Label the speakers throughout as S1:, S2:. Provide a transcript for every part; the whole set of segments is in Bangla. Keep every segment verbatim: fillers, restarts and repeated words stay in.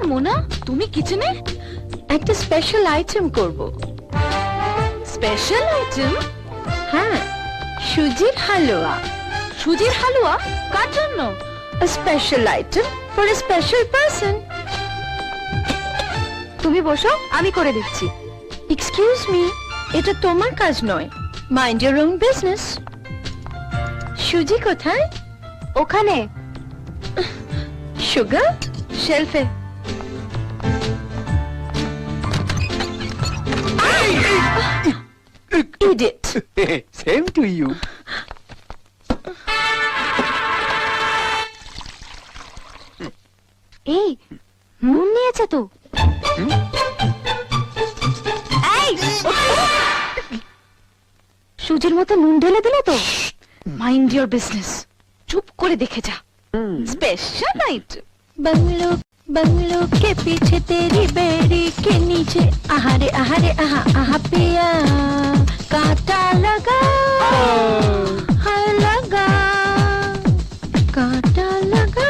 S1: মোনা, তুমি কিচেনে
S2: একটা স্পেশাল আইটেম করব।
S1: Special item?
S2: হ্যাঁ, সুজির হালুয়া।
S1: সুজির হালুয়া? কার জন্য?
S2: A special item for a special person. তুমি বসো, আমি করে দিচ্ছি। এক্সকিউজ মি, এটা তোমার কাজ নয়। Mind your own business. সুজি কোথায়? ওখানে। সুগার শেলফে। Idiot.
S3: Same to you.
S2: এই নুন নিয়েছে তো। এই সুজির মতো নুন ঢেলে দিলে তো।
S1: মাইন্ড ইওর বিজনেস, চুপ করে দেখে যা। Special item.
S2: बंगलो बंगलो के पीछे तेरी बेड़ी के नीचे आहारे आहारे आहा आहा पिया कांटा लगा हाय लगा कांटा लगा।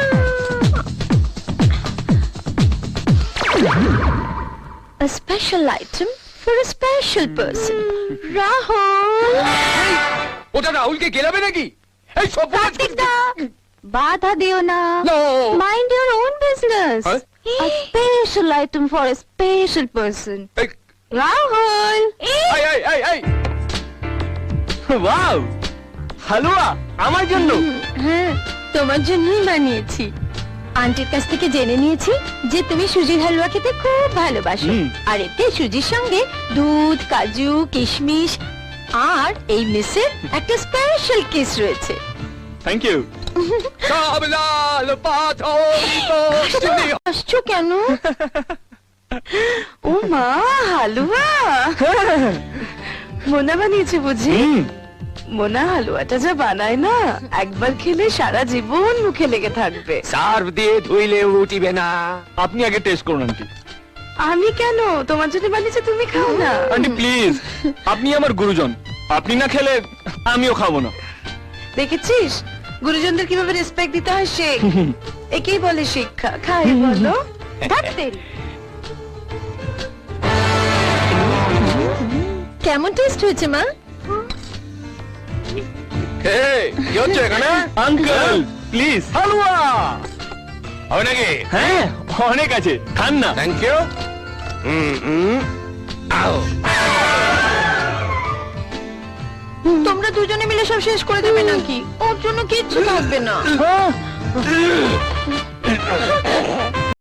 S2: A special item for a special person. Rahul.
S3: ওটা রাহুলকে গেলাবে নাকি? এই সব
S2: কার্তিক দা, বাধা দিও না। Mind your own business.
S3: Huh?
S2: A special item for a special person. Rahul.
S3: এই এই এই এই ওয়াও, হালুয়া আমার জন্য।
S2: হ্যাঁ, তোমার জন্যই বানিয়েছি। আন্টির কাছ থেকে জেনে নিয়েছি যে তুমি সুজির হালুয়া খেতে খুব ভালোবাসো। আর এতে সুজির সঙ্গে দুধ, কাজু, কিশমিশ আর এই মিসের একটা স্পেশাল কিস রয়েছে।
S3: Thank you. সব লাল পাথর
S2: আসছো কেন? ও মা, হালুয়া মোনা বানিয়েছে বুঝি? মোনা হালুয়াটা যা বানায় না, একবার খেলে সারা জীবন মুখে লেগে থাকবে।
S3: সার্ভ দিয়ে ধুইলে উঠিবে না। আপনি আগে টেস্ট করুন আন্টি।
S2: আমি কেন? তোমার জন্য বানিয়েছে, তুমি খাও না।
S3: আন্টি প্লিজ, আপনি আমার গুরুজন, আপনি না খেলে আমিও খাবো না।
S2: দেখেছিস গুরুজনদের কিভাবে রেসপেক্ট দিতে হয় শেখ। একেই বলে শিক্ষা। খাই বলো। কেমন টেস্ট হয়েছে মা?
S3: কি হচ্ছে এখানে? আঙ্কেল প্লিজ হালুয়া হবে নাকি? হ্যাঁ অনেক আছে, খান না। Thank you.
S2: তোমরা দুজনে মিলে সব শেষ করে দেবে নাকি? ওর জন্য কিচ্ছু থাকবে না।